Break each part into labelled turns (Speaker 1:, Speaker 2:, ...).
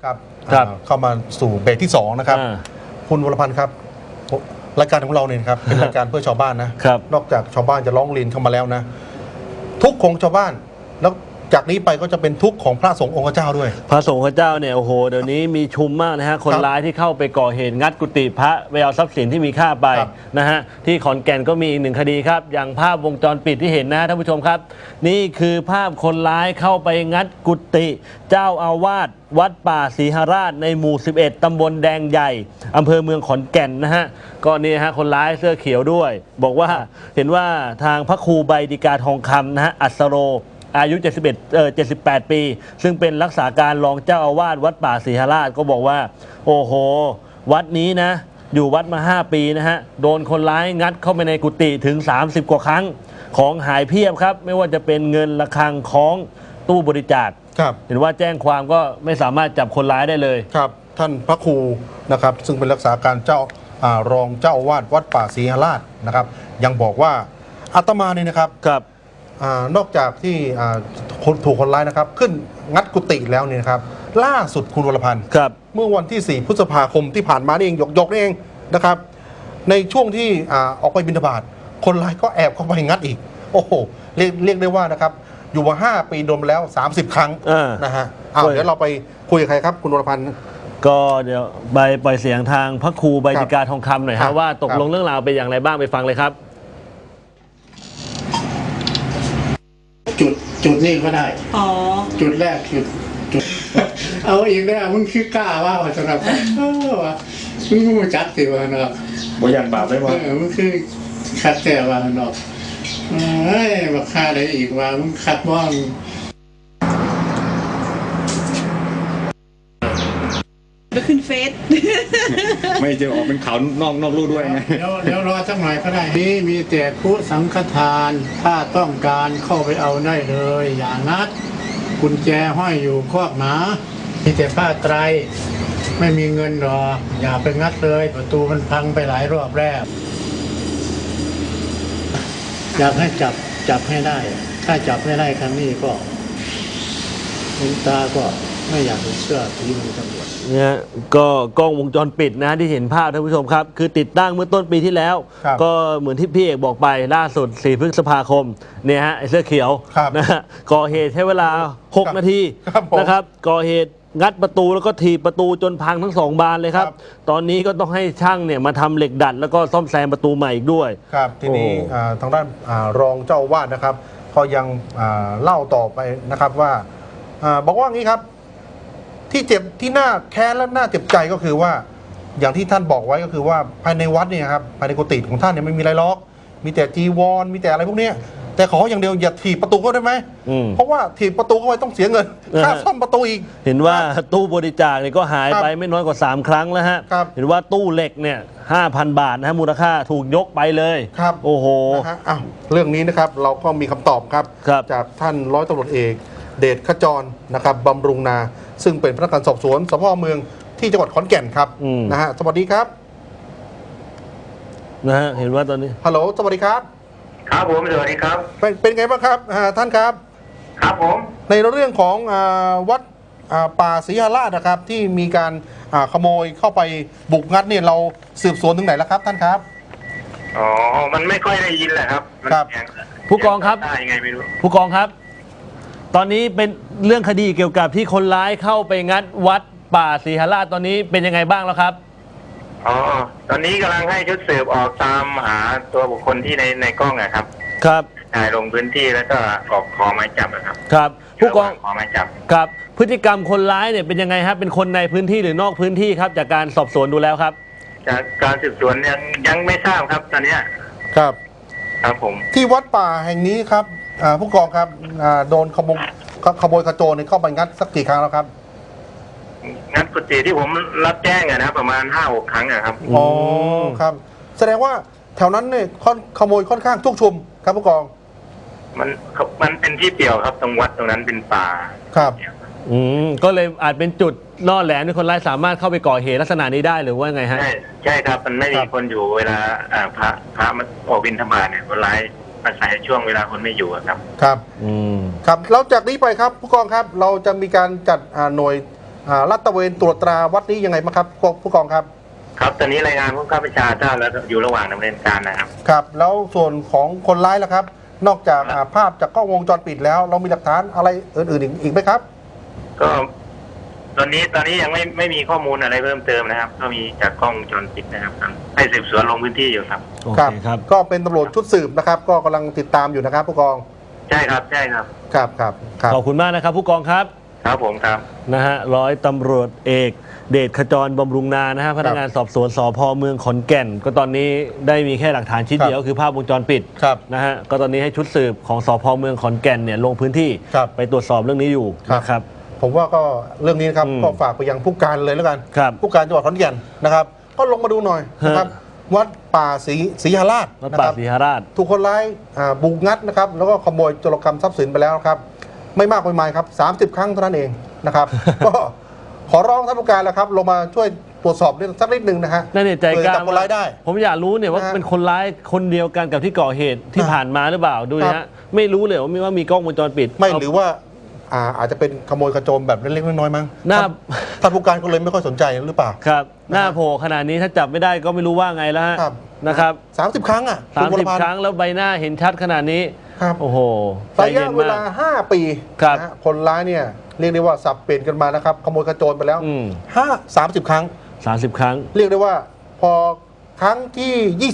Speaker 1: ครับเข้ามาสู่เบรกที่2นะครับคุณวรพันธ์ครับรายการของเราเนี่ยครับเป็นรายการเพื่อชาวบ้านนะนอกจากชาวบ้านจะร้องเรียนเข้ามาแล้วนะทุกของชาวบ้านแล้วจากนี้ไปก็จะเป็นทุกข์ของพระสงฆ์องค์เจ้าด้วย
Speaker 2: พระสงฆ์เจ้าเนี่ยโอ้โหเดี๋ยวนี้มีชุมมากนะฮะคนร้ายที่เข้าไปก่อเหตุงัดกุฏิพระไปเอาทรัพย์สินที่มีค่าไปนะฮะที่ขอนแก่นก็มีอีก1 คดีครับอย่างภาพวงจรปิดที่เห็นนะท่านผู้ชมครับนี่คือภาพคนร้ายเข้าไปงัดกุฏิเจ้าอาวาสวัดป่าศรีหราชในหมู่11ตำบลแดงใหญ่อำเภอเมืองขอนแก่นนะฮะก็นี่ฮะคนร้ายเสื้อเขียวด้วยบอกว่าเห็นว่าทางพระครูใบดิกาทองคำนะฮะอัสโรอายุ78 ปีซึ่งเป็นรักษาการรองเจ้าอาวาสวัดป่าศรีหราชก็บอกว่าโอ้โหวัดนี้นะอยู่วัดมา5 ปีนะฮะโดนคนร้ายงัดเข้าไปในกุฏิถึง30 กว่าครั้งของหายเพียบครับไม่ว่าจะเป็นเงินระฆังของตู้บริจาคเห็นว่าแจ้งความก็ไม่สามารถจับคนร้ายได้เลย
Speaker 1: ครับท่านพระครูนะครับซึ่งเป็นรักษาการเจ้ารองเจ้าอาวาสวัดป่าศรีหราชนะครับยังบอกว่าอาตมาเนี่ยนะครับนอกจากที่ถูกคนร้ายนะครับขึ้นงัดกุฏิแล้วเนี่ยครับล่าสุดคุณวรพันธ์เมื่อวันที่4 พฤษภาคมที่ผ่านมานี่เองยกนี่เองนะครับในช่วงที่ออกไปบิณฑบาตคนร้ายก็แอบเข้าไปงัดอีกโอ้โหเรียกได้ว่านะครับอยู่มา5 ปีโดนแล้ว30 ครั้งนะฮะเดี๋ยวเราไปคุยกับใครครับคุณวรพันธ์
Speaker 2: ก็เดี๋ยวไปปล่อยเสียงทางพระครูใบดิกาทองคำหน่อยฮะว่าตกลงเรื่องราวเป็นอย่างไรบ้างไปฟังเลยครับ
Speaker 3: จุดนี่ก็ได้จุดแรกจุดเอาอีกแล้วมึงคือกล้าว่าสำหรับว่ามึงรู้จักสิว่าเนาะ
Speaker 4: บ่ยันบาปได้ว่า
Speaker 3: มึงคือคัดแต่ว่าเนาะเฮ้ยมาฆ่าได้อีกว่ามึงคัดบ้อง
Speaker 5: ไปขึ้นเฟซ
Speaker 4: ไม่จะออกเป็นข่าวนอกลู่ด้วยไง
Speaker 3: เดี๋ยวรอสักหน่อยก็ได้นี่มีแต่ผู้สังฆทานถ้าต้องการเข้าไปเอาได้เลยอย่างนัดกุญแจห้อยอยู่คอกหมามีแต่ผ้าไตรไม่มีเงินหรอกอย่าไปงัดเลยประตูมันพังไปหลายรอบแล้วอยากให้จับให้ได้ถ้าจับไม่ได้ครั้งนี้ก็คุณตาก็ไม่อยากเชื่อทีมตำรวจ
Speaker 2: เนี่ยก็กล้องวงจรปิดนะที่เห็นภาพท่านผู้ชมครับคือติดตั้งเมื่อต้นปีที่แล้วก็เหมือนที่พี่เอกบอกไปล่าสุด4 พฤษภาคมเนี่ยฮะไอ้เสื้อเขียวนะฮะก่อเหตุใช้เวลา6 นาทีนะครับก่อเหตุงัดประตูแล้วก็ถีบประตูจนพังทั้ง2 บานเลยครับตอนนี้ก็ต้องให้ช่างเนี่ยมาทำเหล็กดัดแล้วก็ซ่อมแซมประตูใหม่อีกด้วย
Speaker 1: ครับทีนี้ทางด้านรองเจ้าอาวาสนะครับก็ยังเล่าต่อไปนะครับว่าบอกว่างี้ครับที่เจ็บที่น่าแค้นและน่าเจ็บใจก็คือว่าอย่างที่ท่านบอกไว้ก็คือว่าภายในวัดเนี่ยครับภายในกุฏิของท่านเนี่ยไม่มีอะไรล็อกมีแต่จีวรมีแต่อะไรพวกนี้แต่ขออย่างเดียวอย่าถีบประตูก็ได้ไหมเพราะว่าถีบประตูเข้าไปต้องเสียเงินค่าซ่อมประตูอีก
Speaker 2: เห็นว่าตู้บริจาคเนี่ยก็หายไปไม่น้อยกว่า3 ครั้งแล้วฮะเห็นว่าตู้เหล็กเนี่ย 5,000 บาทนะฮะมูลค่าถูกยกไปเลย
Speaker 1: ครับ
Speaker 2: โอ้โห
Speaker 1: เรื่องนี้นะครับเราก็มีคำตอบครับจากท่านร้อยตำรวจเอกเดชขจรนะครับบำรุงนาซึ่งเป็นพนักงานสอบสวนสพเมืองที่จังหวัดขอนแก่นครับนะฮะสวัสดีครับ
Speaker 2: นะฮะเห็นว่าตอนนี้
Speaker 1: ฮัลโหลสวัสดีครับ
Speaker 6: ครับผมสวัสดีครับ
Speaker 1: เป็นไงบ้างครับท่านครับ
Speaker 6: ครับผม
Speaker 1: ในเรื่องของวัดป่าศรีหราชนะครับที่มีการขโมยเข้าไปบุกงัดเนี่ยเราสืบสวนถึงไหนแล้วครับท่านครับ
Speaker 6: อ๋อมันไม่ค่อยได้ยินแหละครับ
Speaker 2: ผู้กองครับ
Speaker 6: ยังไงไม่รู้
Speaker 2: ผู้กองครับตอนนี้เป็นเรื่องคดีเกี่ยวกับที่คนร้ายเข้าไปงัดวัดป่าศรีหราชตอนนี้เป็นยังไงบ้างแล้วครับ
Speaker 6: อ๋อตอนนี้กำลังให้ชุดสืบออกตามหาตัวบุคคลที่ในกล้องนะครับถ่ายลงพื้นที่แล้วก็ออกขอหมายจับนะครับ
Speaker 2: ครับผู้กอง
Speaker 6: ขอหมายจับ
Speaker 2: ครับพฤติกรรมคนร้ายเนี่ยเป็นยังไงครับเป็นคนในพื้นที่หรือนอกพื้นที่ครับจากการสอบสวนดูแล้วครับ
Speaker 6: จากการสืบสวนยังไม่ทราบครับตอนนี้ครับผม
Speaker 1: ที่วัดป่าแห่งนี้ครับผู้กองครับโดนขโมยขโจรเข้าไปงัดสักกี่ครั้งแล้วครับ
Speaker 6: งัดกุฏิที่ผมรับแจ้งนะประมาณ 5-6 ครั้งครับ
Speaker 1: อ๋อครับแสดงว่าแถวนั้นเนี่ยขโมยค่อนข้างทุกชุมครับผู้กอง
Speaker 6: มันเป็นที่เปี่ยวครับตรงวัดตรงนั้นเป็นป่า
Speaker 1: ครับ
Speaker 2: ก็เลยอาจเป็นจุดล่อแหลมที่คนร้ายสามารถเข้าไปก่อเหตุลักษณะนี้ได้หรือว่าไงฮะ
Speaker 6: ใช่ครับมันไม่มีคนอยู่เวลาพระมาออกบิณฑบาตเนี่ยคนร้ายอาศัยช่วงเวลาคนไม่อยู่ครับ
Speaker 1: ครับแล้วจากนี้ไปครับผู้กองครับเราจะมีการจัดหน่วยลาดตระเวนตรวจตราวัดนี้ยังไงบ้างครับผู้กองครับ
Speaker 6: ครับตอนนี้รายงานผู้ข้าราชการทราบแล้วอยู่ระหว่างดำเนินการนะครับ
Speaker 1: ครับแล้วส่วนของคนร้ายล่ะครับ นอกจากภาพจากกล้องวงจรปิดแล้วเรามีหลักฐานอะไรอื่นๆอีกไหมครับ
Speaker 6: ก็ตอนนี้ยังไม่มีข้อมูลอะไรเพิ่มเติมนะครับก็มีจากกล้องวงจรปิดนะครับให้สืบสวนลงพื้นที่อยู่ครับ
Speaker 1: ครับก็เป็นตำรวจชุดสืบนะครับก็กำลังติดตามอยู่นะครับผู้กอง
Speaker 6: ใช่ครับ
Speaker 1: ครับ
Speaker 2: ขอบคุณมากนะครับผู้กองครับ
Speaker 6: ครับผมครับ
Speaker 2: นะฮะร้อยตำรวจเอกเดชขจรบำรุงนานะฮะพนักงานสอบสวนสพเมืองขอนแก่นก็ตอนนี้ได้มีแค่หลักฐานชิ้นเดียวคือภาพวงจรปิดนะฮะก็ตอนนี้ให้ชุดสืบของสพเมืองขอนแก่นเนี่ยลงพื้นที่ไปตรวจสอบเรื่องนี้อยู่นะครับ
Speaker 1: ผมว่าก็เรื่องนี้นะครับก็ฝากไปยังผู้การเลยแล้วกันผู้การจังหวัดขอนแก่นนะครับก็ลงมาดูหน่อยนะครับวัดป่าศรีหราชนะครับถูกคนร้ายบุกงัดนะครับแล้วก็ขโมยโจรกรรมทรัพย์สินไปแล้วครับไม่มากไม่มายครับ30 ครั้งเท่านั้นเองนะครับก็ขอร้องท่านผู้การแล้วครับลงมาช่วยตรวจสอบสักนิดหนึ่งนะฮะ
Speaker 2: นั่นใจกล้า
Speaker 1: คนร้ายได้
Speaker 2: ผมอยากรู้เนี่ยว่าเป็นคนร้ายคนเดียวกันกับที่ก่อเหตุที่ผ่านมาหรือเปล่าดูนะฮะไม่รู้เลยว่ามีกล้องวงจรปิด
Speaker 1: ไม่หรือว่าอาจจะเป็นขโมยขโจรแบบเล็กๆน้อยๆมั้งท่านผู้การก็เลยไม่ค่อยสนใจหรือเปล่า
Speaker 2: ครับหน้าโผล่ขนาดนี้ถ้าจับไม่ได้ก็ไม่รู้ว่าไงแล้วนะครับ
Speaker 1: 30 ครั้ง
Speaker 2: 30 ครั้งแล้วใบหน้าเห็นชัดขนาดนี้
Speaker 1: ครับ
Speaker 2: โอ้โห
Speaker 1: ระยะเวลา5 ปีคนร้ายเนี่ยเรียกได้ว่าสับเปลี่ยนกันมานะครับขโมยขโจรไปแล้ว30 ครั้ง
Speaker 2: 30 ครั้ง
Speaker 1: เรียกได้ว่าพอครั้งที่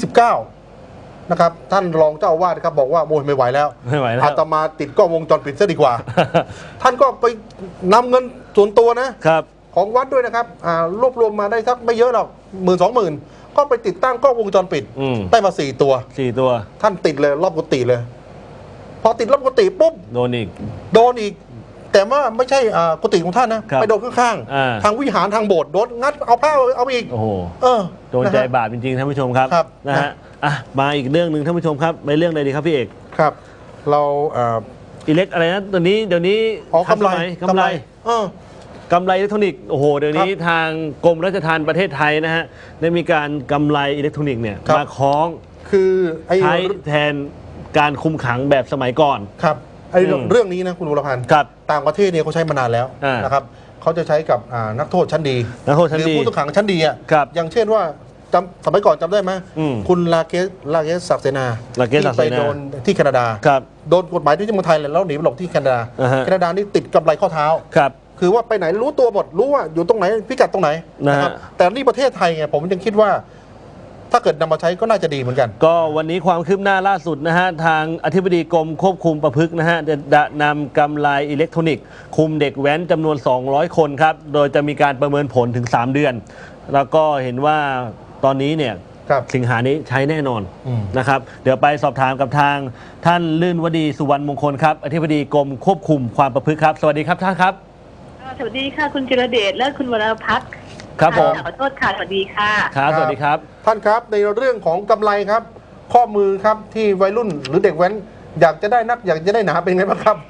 Speaker 1: 29นะครับท่านรองเจ้าอาวาสครับบอกว่าโมยไม่ไหวแล้วอาตมาติดกล้องวงจรปิดซะดีกว่า ท่านก็ไปนำเงินส่วนตัวนะครับของวัดด้วยนะครับรวบรวมมาได้สักไม่เยอะหรอก10,000-20,000ก็ไปติดตั้งกล้องวงจรปิดได้มา4 ตัวท่านติดเลยรอบกุฏิเลยพอติดรอบกุฏิปุ๊บโดนอีกแต่ว่าไม่ใช่กุฏิของท่านนะไปโดนข้างๆทางวิหารทางโบสถ์โดนงัดเอาผ้าเอาอีก
Speaker 2: โอ้โหโดนใจบาปจริงๆท่านผู้ชมครับนะฮะมาอีกเรื่องหนึ่งท่านผู้ชมครับไปเรื่องอะไรดีครับพี่เอก
Speaker 1: ครับเรา
Speaker 2: อิเล็กอะไรนะตัวนี้เดี๋ยวนี้
Speaker 1: กำไร
Speaker 2: อิเล็กทรอนิกส์โอ้โหเดี๋ยวนี้ทางกรมราชทัณฑ์ประเทศไทยนะฮะได้มีการกำไรอิเล็กทรอนิกส์เนี่ยมาคล้อง
Speaker 1: คือ
Speaker 2: ใช้แทนการคุมขังแบบสมัยก่อน
Speaker 1: ครับเรื่องนี้นะคุณวรพันธ์ต่างประเทศเนี่ยเขาใช้มานานแล้วนะครับเขาจะใช้กับนักโทษชั้นดีหรือผู้ต้องขังชั้นดีอ่ะอย่างเช่นว่าสมัยก่อนจำได้ไหมคุณลาเกสศักดิ์เสนาที่ไปโดนที่แคนาดาโดนกฎหมายที่เมืองไทยแล้วหนีไปหลบที่แคนาดานี่ติดกำไรข้อเท้าคือว่าไปไหนรู้ตัวหมดรู้ว่าอยู่ตรงไหนพิกัดตรงไหนนะครับแต่นี่ประเทศไทยไงผมยังคิดว่าถ้าเกิดนำมาใช้ก็น่าจะดีเหมือนกัน
Speaker 2: ก็วันนี้ความคืบหน้าล่าสุดนะฮะทางอธิบดีกรมควบคุมประพฤตินะฮะจะนำกำไรอิเล็กทรอนิกส์คุมเด็กแว้นจำนวน200 คนครับโดยจะมีการประเมินผลถึง3 เดือนแล้วก็เห็นว่าตอนนี้เนี่ยสิงหานี้ใช้แน่นอนนะครับเดี๋ยวไปสอบถามกับทางท่านลื่นวดีสุวรรณมงคลครับอธิบดีกรมควบคุมความประพฤติครับสวัสดีครับท่านครับ
Speaker 5: สวัสดีค่ะคุณจิรเดชและคุณวรพัฒน์
Speaker 2: ครับผม
Speaker 5: ขอโทษค่ะสวัสดีค่ะ
Speaker 2: ครับสวัสดีครับ
Speaker 1: ท่านครับในเรื่องของกำไรครับข้อมือครับที่วัยรุ่นหรือเด็กแว้นอยากจะได้นักอยากจะได้หนาเป็นไงบ้างครับ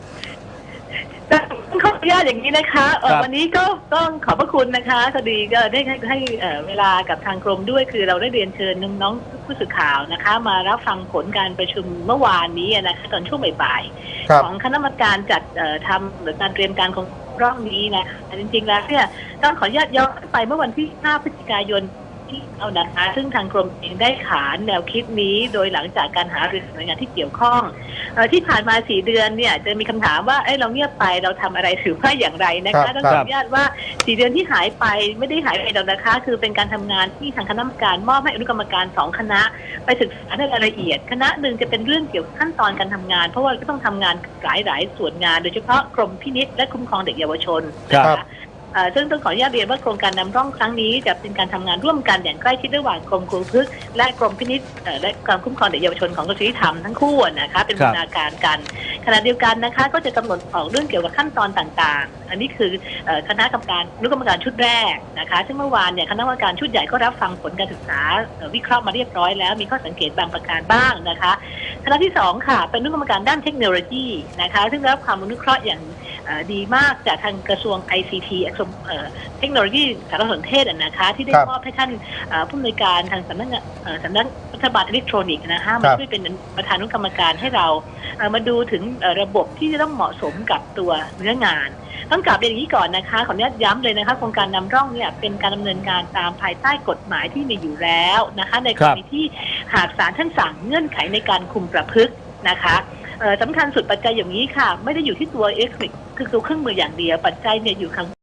Speaker 5: ต้องขออนุญาตอย่างนี้นะคะวันนี้ก็ต้องขอบพระคุณนะคะคดีก็ได้ให้เวลากับทางกรมด้วยคือเราได้เรียนเชิญน้องๆผู้สื่อข่าวนะคะมารับฟังผลการประชุมเมื่อวานนี้นะคะตอนช่วงบ่ายๆของคณะกรรมการจัดทำหรือการเตรียมการของรอบนี้นะคะจริงๆแล้วเนี่ยต้องขออนุญาตย้อนไปเมื่อวันที่5 พฤศจิกายนที่เอานะคะซึ่งทางกรมเองได้ขานแนวคิดนี้โดยหลังจากการหารือหน่วยงานที่เกี่ยวข้องที่ผ่านมา4 เดือนเนี่ยจะมีคำถามว่าเราเงียบไปเราทำอะไรหรือว่าอย่างไรนะคะต้องขออนุญาตว่า4 เดือนที่หายไปไม่ได้หายไปหรอกนะคะคือเป็นการทำงานที่ทางคณะกรรมการมอบให้อนุกรรมการ2 คณะไปศึกษาในรายละเอียดคณะหนึ่งจะเป็นเรื่องเกี่ยวกับขั้นตอนการทำงานเพราะว่าก็ต้องทำงานหลายส่วนงานโดยเฉพาะกรมพินิจและคุ้มครองเด็กเยาวชนนะคะซึ่งต้องขออนุญาตเรียนว่าโครงการนำร่องครั้งนี้จะเป็นการทำงานร่วมกันอย่างใกล้ชิดระหว่างกรมครูพฤกษ์และกรมพินิจและการคุ้มครองเด็กเยาวชนของกระทรวงยุติธรรมทั้งคู่นะคะเป็นบูรณาการกันขณะเดียวกันนะคะก็จะกำหนดออกเรื่องเกี่ยวกับขั้นตอนต่างๆอันนี้คือคณะกรรมการชุดแรกนะคะซึ่งเมื่อวานเนี่ยคณะกรรมการชุดใหญ่ก็รับฟังผลการศึกษาวิเคราะห์มาเรียบร้อยแล้วมีข้อสังเกตบางประการบ้างนะคะคณะที่2ค่ะเป็นอนุกรรมการด้านเทคโนโลยีนะคะซึ่งรับความอนุเคราะห์อย่างดีมากจากทางกระทรวง ICT เทคโนโลยีสารสนเทศนะคะที่ได้มอบให้ท่านผู้อำนวยการทางสำนักรัฐบาลอิเล็กทรอนิกส์นะคะมาช่วยเป็นประธานอนุกรรมการให้เรามาดูถึงระบบที่จะต้องเหมาะสมกับตัวเนื้องานต้องกลับเรียนอย่างนี้ก่อนนะคะขออนุญาตย้ำเลยนะคะโครงการนำร่องเนี่ยเป็นการดำเนินการตามภายใต้กฎหมายที่มีอยู่แล้วนะคะในกรณีที่หากศาลท่านสั่งเงื่อนไขในการคุมประพฤตินะคะสำคัญสุดปัจจัยอย่างนี้ค่ะไม่ได้อยู่ที่ตัว คือตัวเครื่องมืออย่างเดียวปัจจัยเนี่ยอยู่